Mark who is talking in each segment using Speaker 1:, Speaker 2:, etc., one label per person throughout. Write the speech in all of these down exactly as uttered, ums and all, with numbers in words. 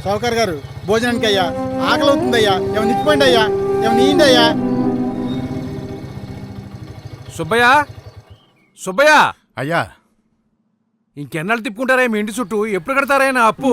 Speaker 1: సౌకర్ గారు భోజనానికి అయ్యా, ఆకలి అవుతుందయ్యా, ఏమైనా ఇచ్చిపోయింది అయ్యా, ఏమైనా నీండి అయ్యా.
Speaker 2: సుబ్బయ్య, సుబ్బయ్య
Speaker 3: అయ్యా,
Speaker 2: ఇంకెన్నాళ్ళు తిప్పుకుంటారా మీ ఇంటి చుట్టూ? ఎప్పుడు కడతారా నా అప్పు?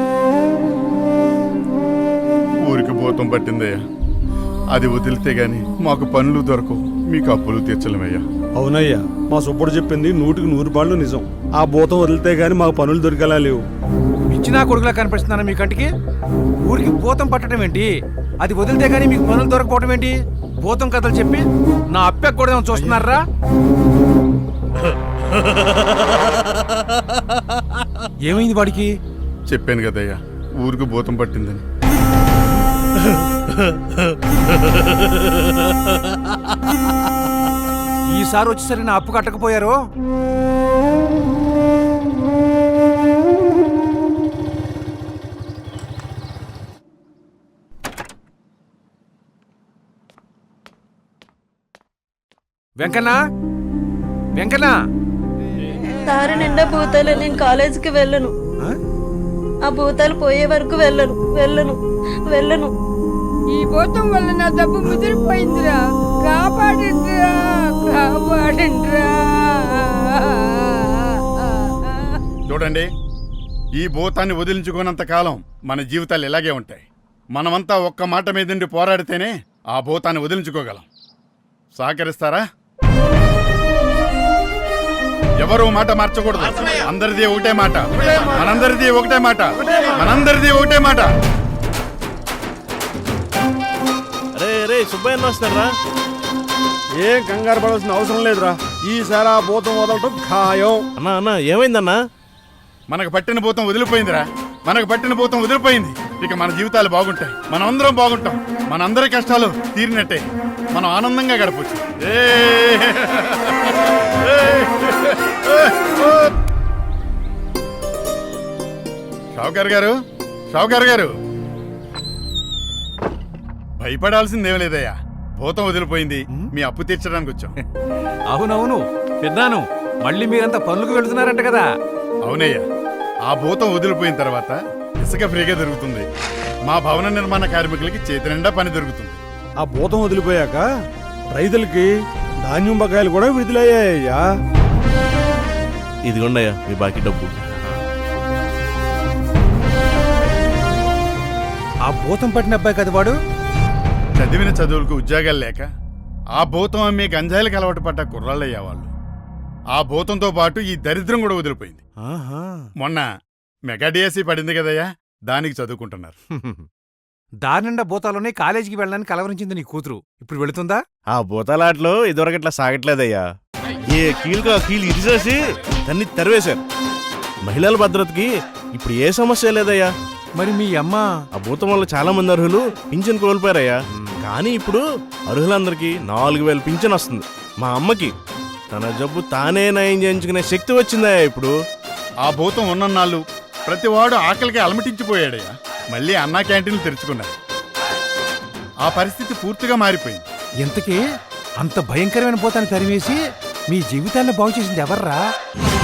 Speaker 3: ఊరికి భూతం పట్టిందయ్యా, అది వదిలితే గాని మాకు పనులు దొరకవు, మీకు అప్పులు తీర్చలేమయ్యా.
Speaker 4: అవునయ్యా, మా సుబ్బుడు చెప్పింది నూటికి నూరు పాళ్ళు నిజం. ఆ భూతం వదిలితే గాని మాకు పనులు దొరికేలా లేవు.
Speaker 2: ఇచ్చినా కొడుకులా కనిపిస్తున్నాను మీ కంటికి? ఊరికి భూతం పట్టడం ఏంటి? అది వదిలితే గానీ మీకు పనులు దొరకపోవడం ఏంటి? భూతం కథలు చెప్పి నా అప్పె కూడా చూస్తున్నారా? ఏమైంది వాడికి?
Speaker 3: చెప్పాను కదయ్యా, ఊరికి భూతం పట్టిందని.
Speaker 2: ఈసారి వచ్చేసరి నా అప్పు కట్టకపోయారు. వెంకన్నా, వెంకన్నా,
Speaker 5: దారి నిండా భూతాలు. నేను కాలేజీకి వెళ్ళను. ఆ భూతాలు పోయే వరకు వెళ్ళను వెళ్ళను వెళ్ళను
Speaker 6: ఈ భూతం వల్ల నా డబ్బు ముదిరిపోయిందిరా. కాపాడండిరా, కాపాడండిరా.
Speaker 3: చూడండి, ఈ భూతాన్ని వదిలించుకున్నంత కాలం మన జీవితాలు ఇలాగే ఉంటాయి. మనమంతా ఒక్క మాట మీదండి పోరాడితేనే ఆ భూతాన్ని వదిలించుకోగలం. సహకరిస్తారా? ఎవరు మాట మార్చకూడదు. అందరిది ఒకటే మాట, మనందరిది ఒకటే మాట, మనందరిది ఒకటే మాట.
Speaker 7: రే రే సుబ్బయ్య వస్తారా?
Speaker 4: ఏం కంగారు పడాల్సిన అవసరం లేదురా. ఈసారి ఆ భూతం వదలటం ఖాయం.
Speaker 7: అన్నా అన్నా ఏమైందన్నా?
Speaker 3: మనకు పట్టిన భూతం వదిలిపోయిందిరా, మనకు పట్టిన భూతం వదిలిపోయింది. ఇక మన జీవితాలు బాగుంటాయి, మనం అందరం బాగుంటాం, మనందరి కష్టాలు తీరినట్టే, మనం ఆనందంగా గడపచ్చు. షావుకార్ గారు, షావుకార్ గారు, భయపడాల్సిందేం లేదయ్యా. భూతం వదిలిపోయింది, మీ అప్పు తీర్చడానికి వచ్చాం.
Speaker 2: అవునవును విన్నాను. మళ్ళీ మీరంతా పనులకు వెళుతున్నారంట కదా?
Speaker 3: అవునయ్యా, ఆ భూతం వదిలిపోయిన తర్వాత ఇసుక ఫ్రీగా దొరుకుతుంది. మా భవన నిర్మాణ కార్మికులకి చేతి నిండా పని దొరుకుతుంది.
Speaker 4: ఆ భూతం వదిలిపోయాక రైతులకి ధాన్యం బకాయిలు కూడా విడుదలయ్యాయ్యా.
Speaker 7: ఇదిగోండయ్యా మీ బాకీ డబ్బు.
Speaker 2: ఆ భూతం పట్టిన అబ్బాయి కదా వాడు?
Speaker 3: చదివిన చదువులకు ఉద్యోగాలు లేక ఆ భూతం అమ్మే గంజాయిలకు అలవాటు పడ్డ కుర్రాళ్ళయ్యా వాళ్ళు. ఆ భూతంతో పాటు ఈ దరిద్రం కూడా వదిలిపోయింది. మొన్న మెగా డిఎస్సీ పడింది కదయ్యా, దానికి చదువుకుంటున్నారు.
Speaker 2: దారి నిండా భూతాలోనే కాలేజీకి వెళ్ళడానికి కలవరించింది నీ కూతురు. ఇప్పుడు వెళుతుందా?
Speaker 7: ఆ భూతాలాట్లో ఇదివరకు ఇట్లా సాగట్లేదయ్యా. ఏ కీలుగా ఆ కీలు ఇరిసేసి దాన్ని తరివేశారు. మహిళల భద్రతకి ఇప్పుడు ఏ సమస్య లేదయ్యా.
Speaker 2: మరి మీ అమ్మ?
Speaker 7: ఆ భూతం వల్ల చాలా మంది అర్హులు పింఛన్ కోల్పోయారయ్యా. కానీ ఇప్పుడు అర్హులందరికీ నాలుగు వేలు పింఛన్ వస్తుంది. మా అమ్మకి తన జబ్బు తానే నయం చేయించుకునే శక్తి వచ్చిందయ్యా ఇప్పుడు.
Speaker 3: ఆ భూతం ఉన్నన్నాళ్ళు ప్రతివాడు ఆకలికి అలమటించిపోయాడయ్యా. మళ్ళీ అన్నా క్యాంటీన్లు తెరుచుకున్నారు. ఆ పరిస్థితి పూర్తిగా మారిపోయింది.
Speaker 2: ఎంతకీ అంత భయంకరమైన భూతాన్ని తరివేసి మీ జీవితాన్ని బాగు చేసింది ఎవర్రా?